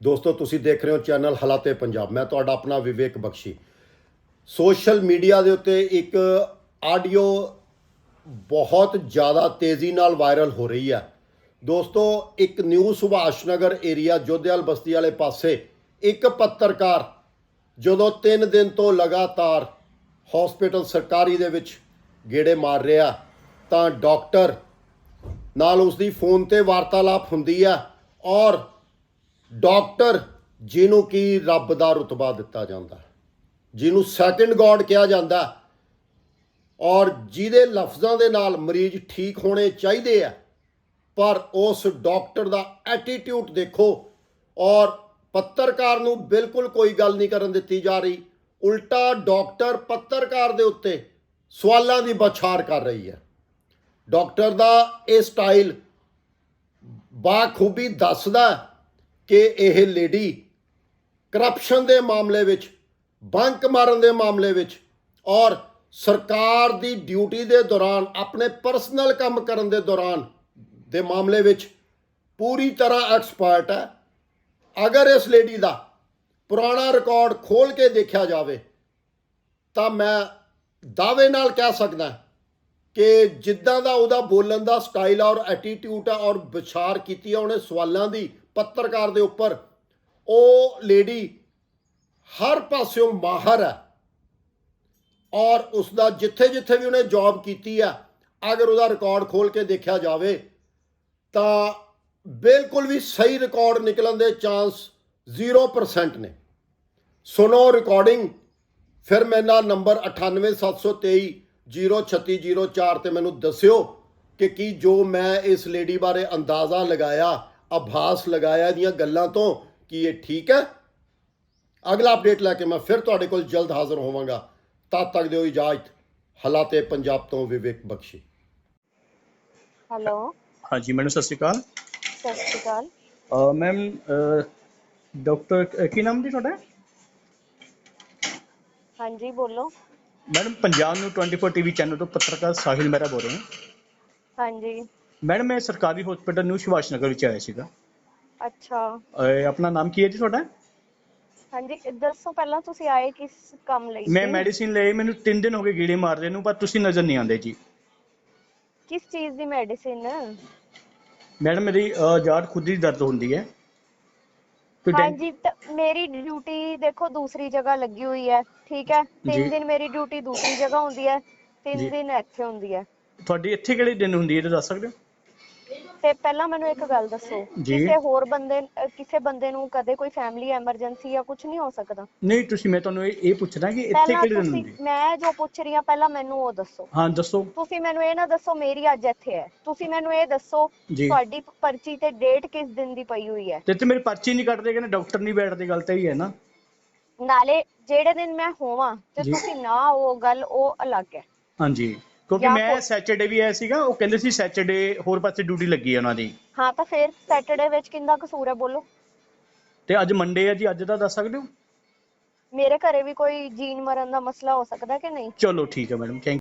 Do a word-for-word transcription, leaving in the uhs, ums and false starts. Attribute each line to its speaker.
Speaker 1: ਦੋਸਤੋ ਤੁਸੀਂ ਦੇਖ ਰਹੇ ਹੋ ਚੈਨਲ ਹਾਲਾਤੇ ਪੰਜਾਬ। ਮੈਂ ਤੁਹਾਡਾ ਆਪਣਾ ਵਿਵੇਕ ਬਖਸ਼ੀ। ਸੋਸ਼ਲ ਮੀਡੀਆ ਦੇ ਉੱਤੇ ਇੱਕ ਆਡੀਓ ਬਹੁਤ ਜ਼ਿਆਦਾ ਤੇਜ਼ੀ ਨਾਲ ਵਾਇਰਲ ਹੋ ਰਹੀ ਹੈ। ਦੋਸਤੋ ਇੱਕ ਨਿਊ ਸੁਭਾਸ਼ ਨਗਰ ਏਰੀਆ ਜੋਧੇਵਾਲ ਬਸਤੀ ਵਾਲੇ ਪਾਸੇ ਇੱਕ ਪੱਤਰਕਾਰ ਜਦੋਂ ਤਿੰਨ ਦਿਨ ਤੋਂ ਲਗਾਤਾਰ ਹਸਪੀਟਲ ਸਰਕਾਰੀ ਦੇ ਵਿੱਚ ਗੇੜੇ ਮਾਰ ਰਿਹਾ ਤਾਂ ਡਾਕਟਰ ਨਾਲ ਉਸ ਦੀ ਫੋਨ ਤੇ ਵਾਰਤਾਲਾਪ ਹੁੰਦੀ ਹੈ ਔਰ ਡਾਕਟਰ ਜਿਹਨੂੰ ਕਿ ਰੱਬ ਦਾ ਰੁਤਬਾ ਦਿੱਤਾ ਜਾਂਦਾ, ਜਿਹਨੂੰ ਸੈਕੰਡ ਗੋਡ ਕਿਹਾ ਜਾਂਦਾ ਔਰ ਜਿਹਦੇ ਲਫ਼ਜ਼ਾਂ ਦੇ ਨਾਲ ਮਰੀਜ਼ ਠੀਕ ਹੋਣੇ ਚਾਹੀਦੇ ਆ, ਪਰ ਉਸ ਡਾਕਟਰ ਦਾ ਐਟੀਟਿਊਡ ਦੇਖੋ ਔਰ ਪੱਤਰਕਾਰ ਨੂੰ ਬਿਲਕੁਲ ਕੋਈ ਗੱਲ ਨਹੀਂ ਕਰਨ ਦਿੱਤੀ ਜਾ ਰਹੀ। ਉਲਟਾ ਡਾਕਟਰ ਪੱਤਰਕਾਰ ਦੇ ਉੱਤੇ ਸਵਾਲਾਂ ਦੀ ਬੌਛਾਰ ਕਰ ਰਹੀ ਹੈ। ਡਾਕਟਰ ਦਾ ਇਹ ਸਟਾਈਲ ਬਾਖੂਬੀ ਦੱਸਦਾ ਕਿ ਇਹ ਲੇਡੀ ਕਰਪਸ਼ਨ ਦੇ ਮਾਮਲੇ ਵਿੱਚ, ਬੰਕ ਮਾਰਨ ਦੇ ਮਾਮਲੇ ਵਿੱਚ ਔਰ ਸਰਕਾਰ ਦੀ ਡਿਊਟੀ ਦੇ ਦੌਰਾਨ ਆਪਣੇ ਪਰਸਨਲ ਕੰਮ ਕਰਨ ਦੇ ਦੌਰਾਨ ਦੇ ਮਾਮਲੇ ਵਿੱਚ ਪੂਰੀ ਤਰ੍ਹਾਂ ਐਕਸਪਰਟ ਹੈ। ਅਗਰ ਇਸ ਲੇਡੀ ਦਾ ਪੁਰਾਣਾ ਰਿਕਾਰਡ ਖੋਲ ਕੇ ਦੇਖਿਆ ਜਾਵੇ ਤਾਂ ਮੈਂ ਦਾਅਵੇ ਨਾਲ ਕਹਿ ਸਕਦਾ ਕਿ ਜਿੱਦਾਂ ਦਾ ਉਹਦਾ ਬੋਲਣ ਦਾ ਸਟਾਈਲ ਔਰ ਐਟੀਟਿਊਡ ਹੈ ਔਰ ਵਿਚਾਰ ਕੀਤੀ ਹੈ ਉਹਨੇ ਸਵਾਲਾਂ ਦੀ ਪੱਤਰਕਾਰ ਦੇ ਉੱਪਰ, ਉਹ ਲੇਡੀ ਹਰ ਪਾਸਿਓਂ ਮਾਹਰ ਹੈ ਔਰ ਉਸ ਦਾ ਜਿੱਥੇ ਜਿੱਥੇ ਵੀ ਉਹਨੇ ਜੌਬ ਕੀਤੀ ਹੈ, ਅਗਰ ਉਹਦਾ ਰਿਕਾਰਡ ਖੋਲ ਕੇ ਦੇਖਿਆ ਜਾਵੇ ਤਾਂ ਬਿਲਕੁਲ ਵੀ ਸਹੀ ਰਿਕਾਰਡ ਨਿਕਲਣ ਦੇ ਚਾਂਸ ਜ਼ੀਰੋ ਪਰਸੈਂਟ ਨੇ। ਸੁਣੋ ਰਿਕਾਰਡਿੰਗ, ਫਿਰ ਮੇਰੇ ਨਾਲ ਨੰਬਰ ਅਠਾਨਵੇਂ ਸੱਤ ਸੌ ਤੇਈ ਜ਼ੀਰੋ ਛੱਤੀ ਜ਼ੀਰੋ ਚਾਰ 'ਤੇ ਮੈਨੂੰ ਦੱਸਿਓ ਕਿ ਕੀ ਜੋ ਮੈਂ ਇਸ ਲੇਡੀ ਬਾਰੇ ਅੰਦਾਜ਼ਾ ਲਗਾਇਆ, ਆਭਾਸ ਲਗਾਇਆ ਇਹਦੀਆਂ ਗੱਲਾਂ ਤੋਂ, ਕਿ ਇਹ ਠੀਕ ਹੈ। ਅਗਲਾ ਅਪਡੇਟ ਲੈ ਕੇ ਮੈਂ ਫਿਰ ਤੁਹਾਡੇ ਕੋਲ ਜਲਦ ਹਾਜ਼ਰ ਹੋਵਾਂਗਾ। ਤਦ ਤੱਕ ਦਿਓ ਇਜਾਜ਼ਤ। ਹਾਲਾਤੇ ਪੰਜਾਬ ਤੋਂ ਵਿਵੇਕ ਬਖਸ਼ੀ।
Speaker 2: ਹੈਲੋ
Speaker 3: ਹਾਂਜੀ ਮੈਡਮ ਸਤਿ ਸ਼੍ਰੀ ਅਕਾਲ।
Speaker 2: ਸਤਿ ਸ਼੍ਰੀ ਅਕਾਲ
Speaker 3: ਮੈਮ ਡਾਕਟਰ ਕੀ ਨਾਮ ਜੀ ਤੁਹਾਡਾ?
Speaker 2: ਹਾਂਜੀ ਬੋਲੋ।
Speaker 3: ਮੈਡਮ ਪੰਜਾਬ ਨੂੰ ਟਵੈਂਟੀ ਫੋਰ ਟੀਵੀ ਚੈਨਲ ਤੋਂ ਪੱਤਰਕਾਰ ਸਾਹਿਲ ਮਹਿਰਾ ਬੋਲ ਰਹੇ ਹਾਂ।
Speaker 2: ਹਾਂਜੀ
Speaker 3: ਮੈਡਮ ਮੈਂ ਸਰਕਾਰੀ ਹਸਪੀਟਲ ਨਿਊ ਸੁਭਾਸ਼ ਨਗਰ ਵਿੱਚ ਆਇਆ ਸੀਗਾ।
Speaker 2: ਅੱਛਾ
Speaker 3: ਅਹ, ਆਪਣਾ ਨਾਮ ਕੀ ਹੈ ਜੀ ਤੁਹਾਡਾ?
Speaker 2: ਹਾਂਜੀ ਦੱਸੋ ਪਹਿਲਾਂ ਤੁਸੀਂ ਆਏ ਕਿਸ ਕੰਮ ਲਈ
Speaker 3: ਮੈਂ
Speaker 2: ਸੀ?
Speaker 3: ਮੈਡੀਸਿਨ ਲਈ, ਮੈਨੂੰ ਤਿੰਨ ਦਿਨ ਹੋ ਗਏ ਗੀੜੇ ਮਾਰਦੇ ਨੂੰ, ਪਰ ਤੁਸੀਂ ਨਜ਼ਰ ਨਹੀਂ ਆਉਂਦੇ ਜੀ।
Speaker 2: ਕਿਸ ਚੀਜ਼ ਦੀ ਮੈਡੀਸਿਨ?
Speaker 3: ਮੈਡਮ ਮੇਰੀ ਜਾੜ ਖੁਦ ਦੀ ਦਰਦ ਹੁੰਦੀ ਹੈ। ਕੋਈ ਡੈਂ-
Speaker 2: ਹਾਂਜੀ ਤਾਂ ਮੇਰੀ ਡਿਊਟੀ ਦੇਖੋ ਦੂਸਰੀ ਜਗ੍ਹਾ ਲੱਗੀ ਹੋਈ ਹੈ, ਠੀਕ ਹੈ।
Speaker 3: ਜੀ।
Speaker 2: ਤਿੰਨ ਦਿਨ ਮੇਰੀ ਡਿਊਟੀ ਦੂਸਰੀ ਜਗ੍ਹਾ ਹੁੰਦੀ ਹੈ, ਤਿੰਨ
Speaker 3: ਜੀ।
Speaker 2: ਦਿਨ ਇੱਥੇ ਹੁੰਦੀ ਹੈ।
Speaker 3: ਤੁਹਾਡੀ ਇੱਥੇ ਕਿਹੜੇ ਦਿਨ ਹੁੰਦੀ ਹੈ ਇਹ ਦੱਸ ਸਕਦੇ ਹੋ?
Speaker 2: ਤੇ ਪਹਿਲਾਂ ਮੈਨੂੰ ਇੱਕ ਗੱਲ ਦੱਸੋ,
Speaker 3: ਜੀ।
Speaker 2: ਕਿਸੇ ਹੋਰ ਬੰਦੇ ਅਹ ਕਿਸੇ ਬੰਦੇ ਨੂੰ ਕਦੇ ਕੋਈ ਫੈਮਿਲੀ ਐਮਰਜੈਂਸੀ ਜਾਂ ਕੁਝ ਨਹੀਂ ਹੋ ਸਕਦਾ?
Speaker 3: ਨਹੀਂ ਤੁਸੀਂ, ਮੈਂ ਤੁਹਾਨੂੰ ਇਹ ਇਹ ਪੁੱਛਣਾ ਕਿ ਇੱਥੇ
Speaker 2: ਪਹਿਲਾਂ
Speaker 3: ਕਿਹੜੇ ਦਿਨ
Speaker 2: ਤੁਸੀਂ,
Speaker 3: ਹੁੰਦੀ ਹੈ?
Speaker 2: ਮੈਂ ਜੋ ਪੁੱਛ ਰਹੀ ਹਾਂ ਪਹਿਲਾਂ ਮੈਨੂੰ ਉਹ ਦੱਸੋ।
Speaker 3: ਹਾਂ ਦੱਸੋ
Speaker 2: ਤੁਸੀਂ ਮੈਨੂੰ ਇਹ ਨਾ ਦੱਸੋ ਮੇਰੀ ਅੱਜ ਇੱਥੇ ਹੈ, ਤੁਸੀਂ ਮੈਨੂੰ ਇਹ ਦੱਸੋ
Speaker 3: ਜੀ।
Speaker 2: ਤੁਹਾਡੀ ਪਰਚੀ ਤੇ ਡੇਟ ਕਿਸ ਦਿਨ ਦੀ ਪਈ ਹੋਈ ਹੈ?
Speaker 3: ਤੇ ਇੱਥੇ ਮੇਰੀ ਪਰਚੀ ਨਹੀਂ ਕੱਟਦੇ, ਕਹਿੰਦੇ ਡਾਕਟਰ ਨਹੀਂ ਬੈਠਦੇ, ਗੱਲ ਤਾਂ ਹੀ ਹੈ ਨਾ।
Speaker 2: ਨਾਲੇ ਜਿਹੜੇ ਦਿਨ ਮੈਂ ਹੋਵਾਂ ਤੇ
Speaker 3: ਜੀ।
Speaker 2: ਤੁਸੀਂ ਨਾ, ਉਹ ਗੱਲ ਉਹ ਅਲੱਗ ਹੈ।
Speaker 3: ਹਾਂਜੀ, ਕਿਉਂਕਿ
Speaker 2: ਜਾਂ
Speaker 3: ਮੈਂ
Speaker 2: ਕੋਈ-
Speaker 3: ਸੈਚਰਡੇ ਵੀ ਆਇਆ ਸੀਗਾ, ਉਹ ਕਹਿੰਦੇ ਸੀ ਸੈਚਰਡੇ ਹੋਰ ਪਾਸੇ ਡਿਊਟੀ ਲੱਗੀ ਹੈ ਉਹਨਾਂ ਦੀ।
Speaker 2: ਹਾਂ ਤਾਂ ਫਿਰ ਸੈਟਰਡੇ ਵਿੱਚ ਕਿੰਦਾ ਕਸੂਰ ਹੈ ਬੋਲੋ?
Speaker 3: ਤੇ ਅੱਜ ਮੰਡੇ ਹੈ ਜੀ, ਅੱਜ ਦਾ ਦੱਸ ਸਕਦੇ ਹੋ?
Speaker 2: ਮੇਰੇ ਘਰੇ ਵੀ ਕੋਈ ਜੀਣ ਮਰਨ ਦਾ ਮਸਲਾ ਹੋ ਸਕਦਾ ਕਿ ਨਹੀਂ?
Speaker 3: ਚਲੋ ਠੀਕ ਹੈ ਮੈਡਮ, ਥੈਂਕ